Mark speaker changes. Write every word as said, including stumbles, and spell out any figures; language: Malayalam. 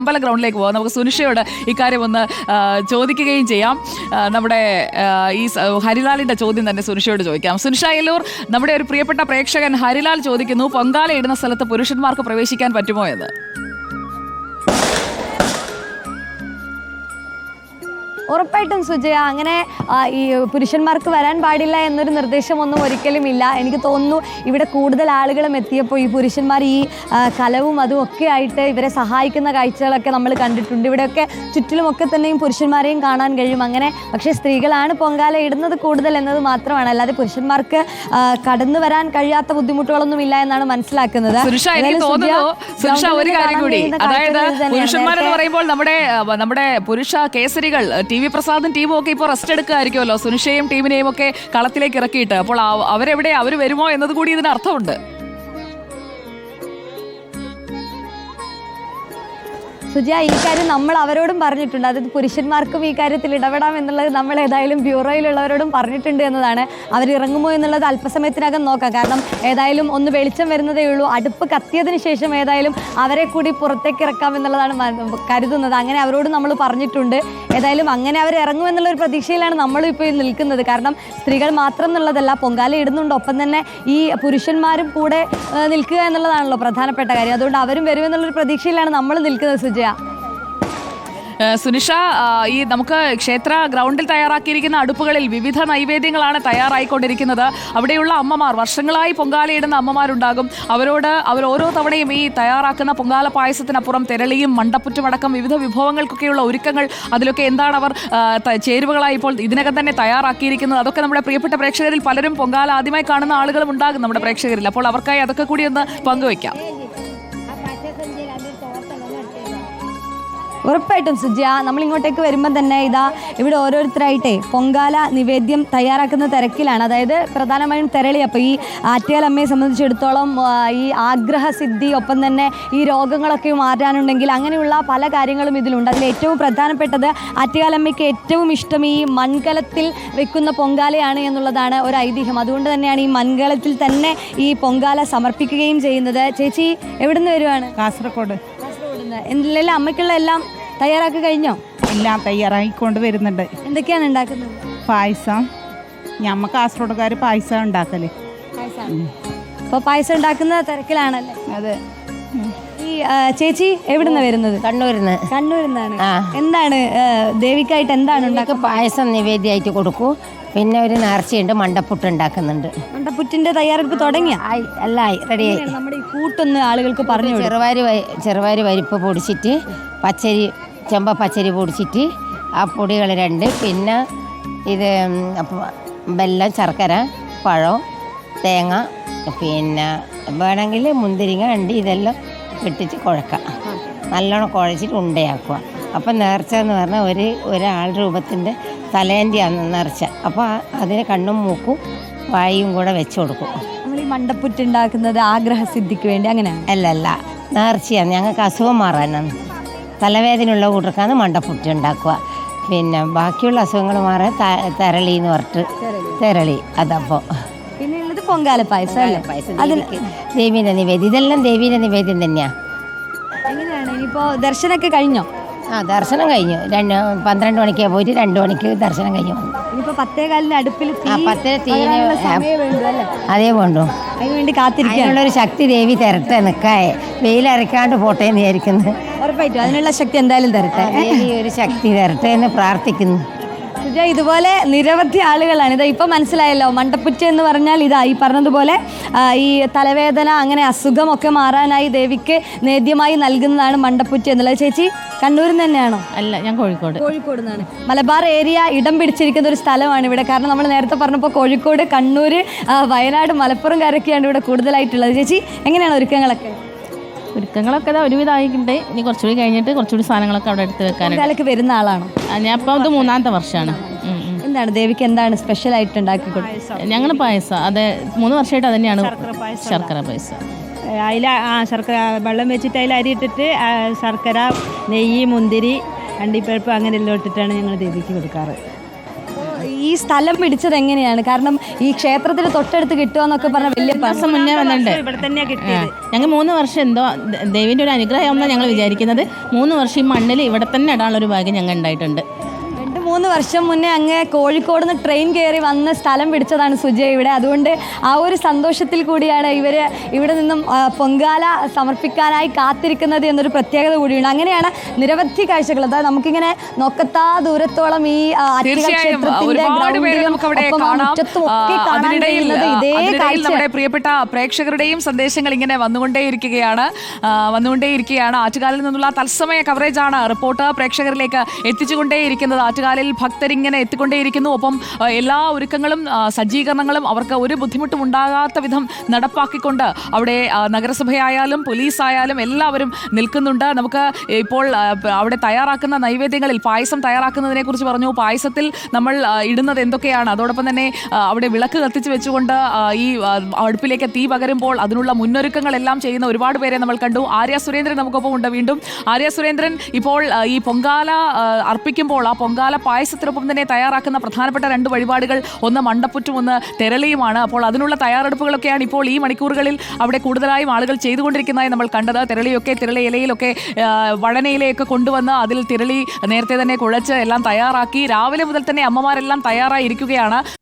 Speaker 1: അമ്പല ഗ്രൗണ്ടിലേക്ക് പോകാം. നമുക്ക് സുനിഷയോട് ഇക്കാര്യം ഒന്ന് ചോദിക്കുകയും ചെയ്യാം. നമ്മുടെ ഈ ഹരിലാലിന്റെ ചോദ്യം തന്നെ സുനിഷയോട് ചോദിക്കാം. സുനിഷ എല്ലൂർ, നമ്മുടെ ഒരു പ്രിയപ്പെട്ട പ്രേക്ഷകൻ ഹരിലാൽ ചോദിക്കുന്നു, പൊങ്കാല ഇടുന്ന സ്ഥലത്ത് പുരുഷന്മാർക്ക് പ്രവേശിക്കാൻ പറ്റുമോ എന്ന്.
Speaker 2: ഉറപ്പായിട്ടും സുജയ, അങ്ങനെ ഈ പുരുഷന്മാർക്ക് വരാൻ പാടില്ല എന്നൊരു നിർദ്ദേശമൊന്നും ഒരിക്കലും ഇല്ല. എനിക്ക് തോന്നുന്നു ഇവിടെ കൂടുതൽ ആളുകളും എത്തിയപ്പോൾ ഈ പുരുഷന്മാർ ഈ കലവും അതും ഒക്കെ ആയിട്ട് ഇവരെ സഹായിക്കുന്ന കാഴ്ചകളൊക്കെ നമ്മൾ കണ്ടിട്ടുണ്ട്. ഇവിടെയൊക്കെ ചുറ്റിലുമൊക്കെ തന്നെയും പുരുഷന്മാരെയും കാണാൻ കഴിയും. അങ്ങനെ പക്ഷേ സ്ത്രീകളാണ് പൊങ്കാല ഇടുന്നത് കൂടുതൽ എന്നത് മാത്രമാണ്, അല്ലാതെ പുരുഷന്മാർക്ക് കടന്നു വരാൻ കഴിയാത്ത ബുദ്ധിമുട്ടുകളൊന്നും ഇല്ല എന്നാണ് മനസ്സിലാക്കുന്നത്.
Speaker 1: ഒരു കാര്യം കൂടി, അതായത് പുരുഷന്മാരെന്ന് പറയുമ്പോൾ നമ്മുടെ നമ്മുടെ പുരുഷ കേസരികൾ ടി വി പ്രസാദും ടീമും ഒക്കെ ഇപ്പോൾ റെസ്റ്റ് എടുക്കുകയായിരിക്കുമല്ലോ, സുനിഷയും ടീമിനെയും ഒക്കെ കളത്തിലേക്ക് ഇറക്കിയിട്ട്. അപ്പോൾ അവരെവിടെ, അവർ വരുമോ എന്നത് കൂടി ഇതിന് അർത്ഥമുണ്ട്.
Speaker 2: സുജയ, ഈ കാര്യം നമ്മൾ അവരോടും പറഞ്ഞിട്ടുണ്ട്. അതായത് പുരുഷന്മാർക്കും ഈ കാര്യത്തിൽ ഇടപെടാം എന്നുള്ളത് നമ്മൾ ഏതായാലും ബ്യൂറോയിലുള്ളവരോടും പറഞ്ഞിട്ടുണ്ട് എന്നതാണ്. അവരിറങ്ങുമോ എന്നുള്ളത് അല്പസമയത്തിനകം നോക്കാം. കാരണം ഏതായാലും ഒന്ന് വെളിച്ചം വരുന്നതേ ഉള്ളൂ. അടുപ്പ് കത്തിയതിന് ശേഷം ഏതായാലും അവരെ കൂടി പുറത്തേക്ക് ഇറക്കാം എന്നുള്ളതാണ് കരുതുന്നത്. അങ്ങനെ അവരോട് നമ്മൾ പറഞ്ഞിട്ടുണ്ട്. ഏതായാലും അങ്ങനെ അവർ ഇറങ്ങുമെന്നുള്ളൊരു പ്രതീക്ഷയിലാണ് നമ്മളും ഇപ്പോൾ നിൽക്കുന്നത്. കാരണം സ്ത്രീകൾ മാത്രം എന്നുള്ളതല്ല, പൊങ്കാല ഇടുന്നുണ്ട്, ഒപ്പം തന്നെ ഈ പുരുഷന്മാരും കൂടെ നിൽക്കുക എന്നുള്ളതാണല്ലോ പ്രധാനപ്പെട്ട കാര്യം. അതുകൊണ്ട് അവരും വരുമെന്നുള്ളൊരു പ്രതീക്ഷയിലാണ് നമ്മൾ നിൽക്കുന്നത്. സുജയ,
Speaker 1: സുനിഷ, ഈ നമുക്ക് ക്ഷേത്ര ഗ്രൗണ്ടിൽ തയ്യാറാക്കിയിരിക്കുന്ന അടുപ്പുകളിൽ വിവിധ നൈവേദ്യങ്ങളാണ് തയ്യാറായിക്കൊണ്ടിരിക്കുന്നത്. അവിടെയുള്ള അമ്മമാർ, വർഷങ്ങളായി പൊങ്കാലയിടുന്ന അമ്മമാരുണ്ടാകും. അവരോട് അവർ ഓരോ തവണയും ഈ തയ്യാറാക്കുന്ന പൊങ്കാല പായസത്തിനപ്പുറം തെരളിയും മണ്ടപ്പുറ്റുമടക്കം വിവിധ വിഭവങ്ങൾക്കൊക്കെയുള്ള ഒരുക്കങ്ങൾ, അതിലൊക്കെ എന്താണ് അവർ ചേരുവകളായി ഇപ്പോൾ ഇതിനകം തന്നെ തയ്യാറാക്കിയിരിക്കുന്നത്, അതൊക്കെ നമ്മുടെ പ്രിയപ്പെട്ട പ്രേക്ഷകരിൽ പലരും പൊങ്കാല ആദ്യമായി കാണുന്ന ആളുകളും ഉണ്ടാകും നമ്മുടെ പ്രേക്ഷകരിൽ. അപ്പോൾ അവർക്കായി അതൊക്കെ കൂടി ഒന്ന് പങ്കുവയ്ക്കാം.
Speaker 2: ഉറപ്പായിട്ടും സുജയ, നമ്മൾ ഇങ്ങോട്ടേക്ക് വരുമ്പോൾ തന്നെ ഇതാ ഇവിടെ ഓരോരുത്തരായിട്ടേ പൊങ്കാല നിവേദ്യം തയ്യാറാക്കുന്ന തിരക്കിലാണ്. അതായത് പ്രധാനമായും തെരളി. അപ്പോൾ ഈ ആറ്റുകാലമ്മയെ സംബന്ധിച്ചിടത്തോളം ഈ ആഗ്രഹസിദ്ധി, ഒപ്പം തന്നെ ഈ രോഗങ്ങളൊക്കെ മാറ്റാനുണ്ടെങ്കിൽ അങ്ങനെയുള്ള പല കാര്യങ്ങളും ഇതിലുണ്ട്. അതിൽ ഏറ്റവും പ്രധാനപ്പെട്ടത് ആറ്റുകാലമ്മയ്ക്ക് ഏറ്റവും ഇഷ്ടം ഈ മൺകലത്തിൽ വെക്കുന്ന പൊങ്കാലയാണ് എന്നുള്ളതാണ് ഒരു ഐതിഹ്യം. അതുകൊണ്ട് തന്നെയാണ് ഈ മൺകലത്തിൽ തന്നെ ഈ പൊങ്കാല സമർപ്പിക്കുകയും ചെയ്യുന്നത്. ചേച്ചി എവിടെ നിന്ന് വരുവാണ്?
Speaker 3: കാസർഗോഡ്.
Speaker 2: എന്തെല്ലാം അമ്മയ്ക്കുള്ള എല്ലാം തയ്യാറാക്കി കഴിഞ്ഞോ?
Speaker 3: എല്ലാം തയ്യാറായിക്കൊണ്ട് വരുന്നുണ്ട്.
Speaker 2: എന്തൊക്കെയാണ് ഉണ്ടാക്കുന്നത്?
Speaker 3: പായസം. ഞമ്മ കാസർഗോഡുകാർ പായസം ഉണ്ടാക്കല്.
Speaker 2: അപ്പോൾ പായസം ഉണ്ടാക്കുന്ന തിരക്കിലാണല്ലേ?
Speaker 3: അതെ.
Speaker 2: ഈ ചേച്ചി എവിടുന്നാ വരുന്നത്?
Speaker 4: കണ്ണൂരിന്ന്.
Speaker 2: കണ്ണൂരിന്നാണ്. എന്താണ് ദേവിക്കായിട്ട് എന്താണ് ഉണ്ടാക്കുക?
Speaker 4: പായസം നിവേദ്യമായിട്ട് കൊടുക്കൂ. പിന്നെ ഒരു നേർച്ചയുണ്ട്, മണ്ടപ്പുട്ട് ഉണ്ടാക്കുന്നുണ്ട്.
Speaker 2: മണ്ടപ്പുറ്റിന്റെ തയ്യാറെടുപ്പ് തുടങ്ങിയ?
Speaker 4: അല്ല, റെഡിയായി.
Speaker 2: നമ്മുടെ ഈ കൂട്ടൊന്ന് ആളുകൾക്ക് പറഞ്ഞു.
Speaker 4: ചെറുവാരി ചെറുവാരി പരിപ്പ് പൊടിച്ചിട്ട്, പച്ചരി ചെമ്പ പച്ചരി പൊടിച്ചിട്ട്, ആ പൊടികൾ രണ്ട്, പിന്നെ ഇത് വെല്ലം, ശർക്കര, പഴം, തേങ്ങ, പിന്നെ വേണമെങ്കിൽ മുന്തിരിങ്ങ ഉണ്ട്, ഇതെല്ലാം ഇട്ടിട്ട് കുഴക്കാം. നല്ലോണം കുഴച്ചിട്ട് ഉണ്ടയാക്കുക. അപ്പം നേർച്ച എന്ന് പറഞ്ഞാൽ ഒരു ഒരാൾ രൂപത്തിൻ്റെ തലേൻ്റെയാണ് നേർച്ച. അപ്പോൾ അതിന് കണ്ണും മൂക്കും വായും കൂടെ വെച്ച് കൊടുക്കും.
Speaker 2: നമ്മൾ ഈ മണ്ടപ്പുറ്റ് ഉണ്ടാക്കുന്നത് ആഗ്രഹസിദ്ധിക്ക് വേണ്ടി അങ്ങനെയാണ്?
Speaker 4: അല്ല അല്ല, നേർച്ചയാണ്. ഞങ്ങൾക്ക് അസുഖം മാറാനാണ്, തലവേദനയുള്ള കൂട്ടർക്കാണ് മണ്ടപ്പുറ്റ് ഉണ്ടാക്കുക. പിന്നെ ബാക്കിയുള്ള അസുഖങ്ങൾ മാറാൻ തെരളി എന്ന് പറഞ്ഞിട്ട് തെരളി. അതപ്പോൾ
Speaker 2: പിന്നെ ഉള്ളത് പൊങ്കാല പായസം അല്ലേ?
Speaker 4: അതിൽ ദേവീൻ്റെ നിവേദ്യം, ഇതെല്ലാം ദേവീൻ്റെ നിവേദ്യം തന്നെയാണ്.
Speaker 2: എങ്ങനെയാണ് ഇനിയിപ്പോൾ ദർശനമൊക്കെ കഴിഞ്ഞോ?
Speaker 4: ആ, ദർശനം കഴിഞ്ഞു. രണ്ട് പന്ത്രണ്ട് മണിക്ക് പോയിട്ട് രണ്ട് മണിക്ക് ദർശനം കഴിഞ്ഞു വന്നു.
Speaker 2: ഇനിയിപ്പോൾ പത്തേകാലിന് അടുപ്പിൽ
Speaker 4: പത്തര തീരെ അതേ വേണ്ടു.
Speaker 2: അതിനുവേണ്ടി കാത്തിരിക്കാനുള്ളൊരു
Speaker 4: ശക്തി ദേവി തരട്ടെ. നിൽക്കാതെ വെയിലരക്കാണ്ട് പോട്ടെ എന്ന് വിചാരിക്കുന്നു.
Speaker 2: ഉറപ്പായിട്ടും അതിനുള്ള ശക്തി എന്തായാലും തരട്ടെ.
Speaker 4: ദേവി ഒരു ശക്തി തരട്ടെ എന്ന് പ്രാർത്ഥിക്കുന്നു.
Speaker 2: സുജ, ഇതുപോലെ നിരവധി ആളുകളാണ്. ഇതാ ഇപ്പം മനസ്സിലായല്ലോ, മണ്ടപ്പുറ്റ് എന്ന് പറഞ്ഞാൽ ഇതാ ഈ പറഞ്ഞതുപോലെ ഈ തലവേദന, അങ്ങനെ അസുഖമൊക്കെ മാറാനായി ദേവിക്ക് നേദ്യമായി നൽകുന്നതാണ് മണ്ടപ്പുറ്റ് എന്നുള്ളത്. ചേച്ചി കണ്ണൂരിൽ നിന്ന് തന്നെയാണോ?
Speaker 5: അല്ല, ഞാൻ കോഴിക്കോട്.
Speaker 2: കോഴിക്കോട് നിന്നാണ്. മലബാർ ഏരിയ ഇടം പിടിച്ചിരിക്കുന്ന ഒരു സ്ഥലമാണ് ഇവിടെ. കാരണം നമ്മൾ നേരത്തെ പറഞ്ഞപ്പോൾ കോഴിക്കോട്, കണ്ണൂർ, വയനാട്, മലപ്പുറം കാരൊക്കെയാണ് ഇവിടെ കൂടുതലായിട്ടുള്ളത്. ചേച്ചി എങ്ങനെയാണ് ഒരുക്കങ്ങളൊക്കെ?
Speaker 5: ഒരുക്കങ്ങളൊക്കെ ഒരുവിധമായിട്ടുണ്ട്. ഇനി കുറച്ചുകൂടി കഴിഞ്ഞിട്ട് കുറച്ചുകൂടി സാധനങ്ങളൊക്കെ അവിടെ എടുത്ത് വെക്കാനായിട്ട്
Speaker 2: വരുന്ന ആളാണോ?
Speaker 5: ഞാൻ ഇപ്പം ഇത് മൂന്നാമത്തെ വർഷമാണ്.
Speaker 2: എന്താണ് ദേവിക്ക് എന്താണ് സ്പെഷ്യൽ ആയിട്ട് ഉണ്ടാക്കി കൊടുക്കുന്നത്?
Speaker 5: ഞങ്ങൾ പായസം, അതെ, മൂന്ന് വർഷമായിട്ട് അത് തന്നെയാണ് ശർക്കര പായസം.
Speaker 6: അതിൽ ആ ശർക്കര വെള്ളം വെച്ചിട്ട് അതിൽ അരി ഇട്ടിട്ട് ശർക്കര, നെയ്യ്, മുന്തിരി, അണ്ടിപ്പരിപ്പ് അങ്ങനെ എല്ലാം ഇട്ടിട്ടാണ് ഞങ്ങൾ ദേവിക്ക് കൊടുക്കാറ്.
Speaker 2: ഈ ഈ സ്ഥലം പിടിച്ചത് എങ്ങനെയാണ്? കാരണം ഈ ക്ഷേത്രത്തിന് തൊട്ടടുത്ത് കിട്ടുക എന്നൊക്കെ പറഞ്ഞ വലിയ
Speaker 5: മാസം മുന്നേ വന്നിട്ടുണ്ട്.
Speaker 6: ഇവിടെ തന്നെയാ കിട്ടിയത്.
Speaker 5: ഞങ്ങൾ മൂന്ന് വർഷം എന്തോ ദൈവിൻ്റെ ഒരു അനുഗ്രഹമാണെന്നാണ് ഞങ്ങൾ വിചാരിക്കുന്നത്. മൂന്ന് വർഷം ഈ മണ്ണിൽ ഇവിടെ തന്നെ ഇടാനുള്ള ഒരു ഭാഗ്യം ഞങ്ങൾ ഉണ്ടായിട്ടുണ്ട്.
Speaker 2: രണ്ട് മൂന്ന് വർഷം മുന്നേ അങ്ങ് കോഴിക്കോട് നിന്ന് ട്രെയിൻ കയറി വന്ന് സ്ഥലം പിടിച്ചതാണ് സുജയ ഇവിടെ. അതുകൊണ്ട് ആ ഒരു സന്തോഷത്തിൽ കൂടിയാണ് ഇവർ ഇവിടെ നിന്നും ആ, പൊങ്കാല സമർപ്പിക്കാനായി കാത്തിരിക്കുന്നത് എന്നൊരു പ്രത്യേകത കൂടിയുണ്ട്. അങ്ങനെയാണ് നിരവധി കാഴ്ചകൾ. അതായത് നമുക്കിങ്ങനെ നോക്കത്താ ദൂരത്തോളം ഈ ആ, ആറ്റുകാൽ
Speaker 1: തീർച്ചയായും
Speaker 2: ക്ഷേത്രത്തിന്റെ
Speaker 1: ഒരുപാട് പേരെ
Speaker 2: ഗ്രൗണ്ടിലും
Speaker 1: നമുക്ക് അവിടെ
Speaker 2: ഒപ്പം ആ
Speaker 1: കാണാം.
Speaker 2: മുറ്റത്തും
Speaker 1: ആ,
Speaker 2: ഒക്കെ കാണാൻ
Speaker 1: അതിനിടയിൽ
Speaker 2: കഴിയുന്നത് ഇതേ
Speaker 1: അതിനിടയിൽ
Speaker 2: കാഴ്ച.
Speaker 1: നമ്മുടെ പ്രിയപ്പെട്ട പ്രേക്ഷകരുടെയും സന്ദേശങ്ങൾ ഇങ്ങനെ വന്നുകൊണ്ടേയിരിക്കുകയാണ് ആ, വന്നുകൊണ്ടേയിരിക്കുകയാണ് ആറ്റുകാലിൽ നിന്നുള്ള തത്സമയ കവറേജാണ് റിപ്പോർട്ട് പ്രേക്ഷകരിലേക്ക് എത്തിച്ചുകൊണ്ടേയിരിക്കുന്നത്. ആറ്റുകാലിൽ ഭക്തരിങ്ങനെ എത്തിക്കൊണ്ടേയിരിക്കുന്നു. ഒപ്പം ആ, എല്ലാ ഒരുക്കങ്ങളും ആ, സജ്ജീകരണങ്ങളും അവർക്ക് ഒരു ബുദ്ധിമുട്ടും ഉണ്ടാകാത്ത വിധം നടപ്പാക്കിക്കൊണ്ട് അവിടെ ആ, നഗരസഭയായാലും പോലീസായാലും എല്ലാവരും നിൽക്കുന്നുണ്ട്. നമുക്ക് ഇപ്പോൾ ആ, അവിടെ തയ്യാറാക്കുന്ന നൈവേദ്യങ്ങളിൽ പായസം തയ്യാറാക്കുന്നതിനെ കുറിച്ച് പറഞ്ഞു. പായസത്തിൽ നമ്മൾ ആ, ഇടുന്നത് എന്തൊക്കെയാണ്, അതോടൊപ്പം തന്നെ ആ, അവിടെ വിളക്ക് കത്തിച്ച് വെച്ചുകൊണ്ട് ആ, ഈ ആ, അടുപ്പിലേക്ക് തീ പകരുമ്പോൾ അതിനുള്ള മുന്നൊരുക്കങ്ങളെല്ലാം ചെയ്യുന്ന ഒരുപാട് പേരെ നമ്മൾ കണ്ടു. ആര്യ സുരേന്ദ്രൻ നമുക്കൊപ്പം ഉണ്ട്. വീണ്ടും ആര്യ സുരേന്ദ്രൻ, ഇപ്പോൾ ആ, ഈ പൊങ്കാല ആ, അർപ്പിക്കുമ്പോൾ ആ പൊങ്കാല പായസത്തിനൊപ്പം തന്നെ തയ്യാറാക്കുന്ന പ്രധാനപ്പെട്ട രണ്ട് വഴിപാടുകൾ, ഒന്ന് മണ്ടപ്പുറ്റും ഒന്ന് തെരളിയുമാണ്. അപ്പോൾ അതിനുള്ള തയ്യാറെടുപ്പുകളൊക്കെയാണ് ഇപ്പോൾ ഈ മണിക്കൂറുകളിൽ അവിടെ കൂടുതലായും ആളുകൾ ചെയ്തുകൊണ്ടിരിക്കുന്നതായി നമ്മൾ കണ്ടത്. തിരളിയൊക്കെ തിരളി ഇലയിലൊക്കെ ആ, വഴനയിലയൊക്കെ കൊണ്ടുവന്ന് അതിൽ തിരളി നേരത്തെ തന്നെ കുഴച്ച് എല്ലാം തയ്യാറാക്കി രാവിലെ മുതൽ തന്നെ അമ്മമാരെല്ലാം തയ്യാറായി ഇരിക്കുകയാണ്.